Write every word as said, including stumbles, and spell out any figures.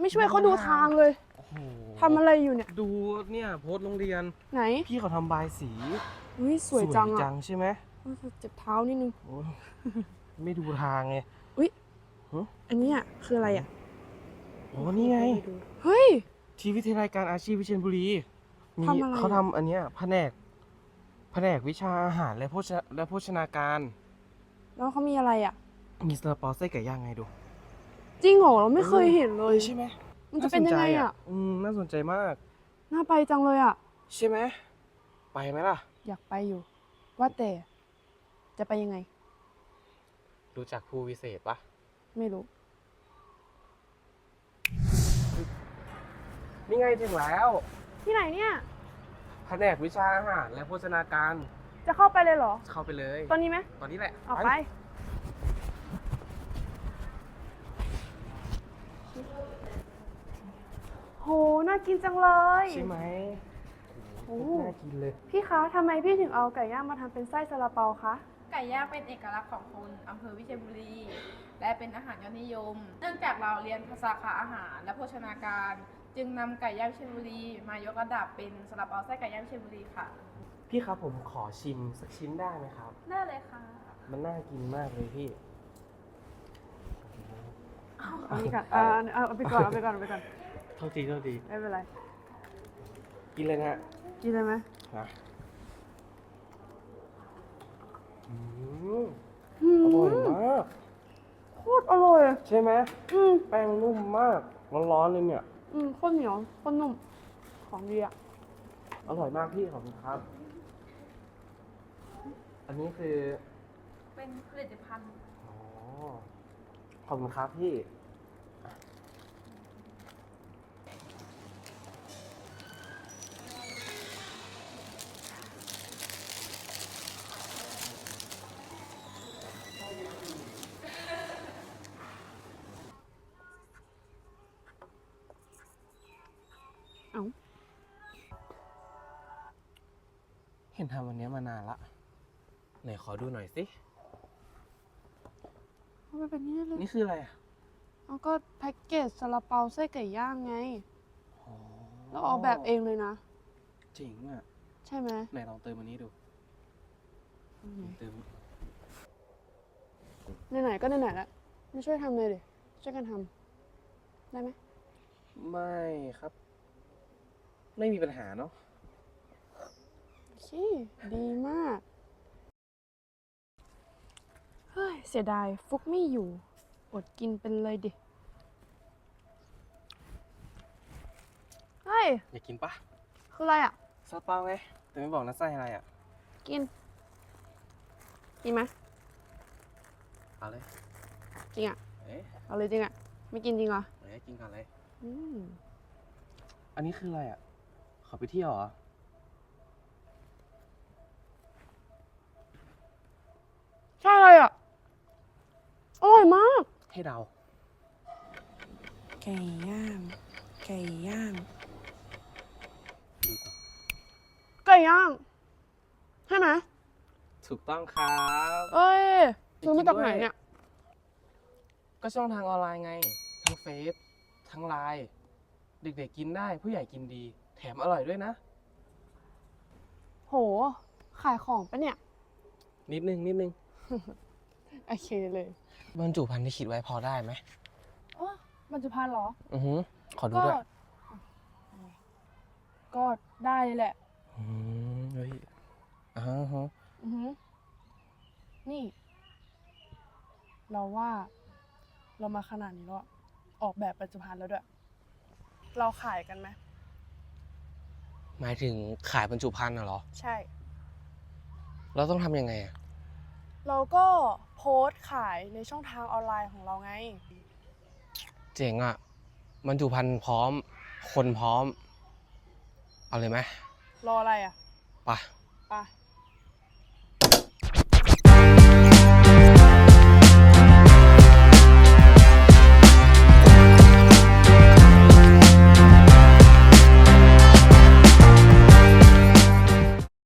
ช่วยเขาดูทางเลยทำอะไรอยู่เนี่ยดูเนี่ยโพสต์โรงเรียนไหนพี่เขาทำบายสีอุ้ยสวยจังจัอ่ะงใช่ไหมเจ็บเท้านิดนึงไม่ดูทางไงอุ้ยอันนี้อ่ะคืออะไรอ่ะโอ้นี่ไงเฮ้ยที่วิทยาลัยการอาชีพวิเชียรบุรีมีทำอะไรเขาทำอันเนี้ยแผนกแผนกวิชาอาหารและโภชและโภชนาการแล้วเขามีอะไรอ่ะมีซาลาเปาไส้ไก่ย่างไงดูจริงเหรอเราไม่เคยเห็นเลยใช่ไหมมันจะเป็นยังไงอ่ะอืมน่าสนใจมากน่าไปจังเลยอ่ะใช่ไหมไปไหมล่ะอยากไปอยู่ ว่าแต่จะไปยังไงรู้จักภูวิเศษปะไม่รู้นี่ไงถึงแล้วที่ไหนเนี่ยแผนกวิชาอาหารและโภชนาการจะเข้าไปเลยเหรอเข้าไปเลยตอนนี้ไหมตอนนี้แหละออกไปโหน่ากินจังเลยใช่ไหมโอ้น่ากินเลยพี่คะทำไมพี่ถึงเอาไก่ย่างมาทำเป็นไส้ซาลาเปาคะไก่ย่างเป็นเอกลักษณ์ของคนอำเภอวิเชียรบุรีและเป็นอาหารยอดนิยมเนื่องจากเราเรียนภาษาขาอาหารและโภชนาการจึงนำไก่ย่างวิเชียรบุรีมายกระดับเป็นซาลาเปาไส้ไก่ย่างวิเชียรบุรีค่ะพี่ครับผมขอชิมสักชิ้นได้ไหมครับได้เลยค่ะมันน่ากินมากเลยพี่เอานี่ก่อนเอาเอาไปก่อนเอาไปก่อนเอาไปก่อนโทษทีโทษทีไม่เป็นไรกินเลยนะฮะกินเลยไหมนะอืมอร่อยมากโคตรอร่อยใช่ไหมอืมแป้งนุ่มมากร้อนๆเลยเนี่ยอืมโคตรเหนียวโคตรนุ่มของดีอ่ะอร่อยมากพี่ขอบคุณครับอันนี้คือเป็นผลิตภัณฑ์อ๋อขอบคุณครับพี่เอาเห็นทำวันนี้มานานละไหนขอดูหน่อยสิเอาไปเป็นนี่เลยนี่คืออะไรอ่ะเอาก็แพ็กเกจซาลาเปาไส้ไก่ย่างไงแล้วออกแบบเองเลยนะจริงอ่ะใช่ไหมไหนลองเติมอันนี้ดูเติมไหนๆก็ไหนๆแล้วมาช่วยทำเลยดิช่วยกันทำได้ไหมไม่ครับไม่มีปัญหาเนาะโอเคดีมากเฮ้ยเสียดายฟุกไม่อยู่อดกินเป็นเลยดิเฮ้ยอยากกินปะคืออะไรอ่ะซาลาเปาไงแต่ไม่บอกนะไส้อะไรอ่ะกินกินไหมเอาเลยจริงอ่ะเอ๊ะเอาเลยจริงอ่ะไม่กินจริงเหรอเอ๊ะกินก่อนเลยอืมอันนี้คืออะไรอ่ะขอไปเที่ยวเหรอใช่เลยอ่ะอร่อยมากให้เดาไก่ย่างไก่ย่างไก่ย่างใช่ไหมถูกต้องครับเอ้ยซื้อมาจากไหนเนี่ยก็ช่องทางออนไลน์ไงทั้งเฟซทั้งไลน์เด็กๆกินได้ผู้ใหญ่กินดีแถมอร่อยด้วยนะโหขายของปะเนี่ยนิดนึงนิดนึงโอเคเลยบรรจุภัณฑ์ที่คิดไว้พอได้ไหมอ๋อบรรจุภัณฑ์เหรออือหือขอดูด้วยก็ได้เลยแหละอืมเฮ้ยอ่าฮะอือหือนี่เราว่าเรามาขนาดนี้แล้วออกแบบบรรจุภัณฑ์แล้วด้วยเราขายกันไหมหมายถึงขายบรรจุภัณฑ์น่ะเหรอใช่เราต้องทำยังไงอ่ะเราก็โพสต์ขายในช่องทางออนไลน์ของเราไงเจ๋งอ่ะบรรจุภัณฑ์พร้อมคนพร้อมเอาเลยไหมรออะไรอ่ะไปไป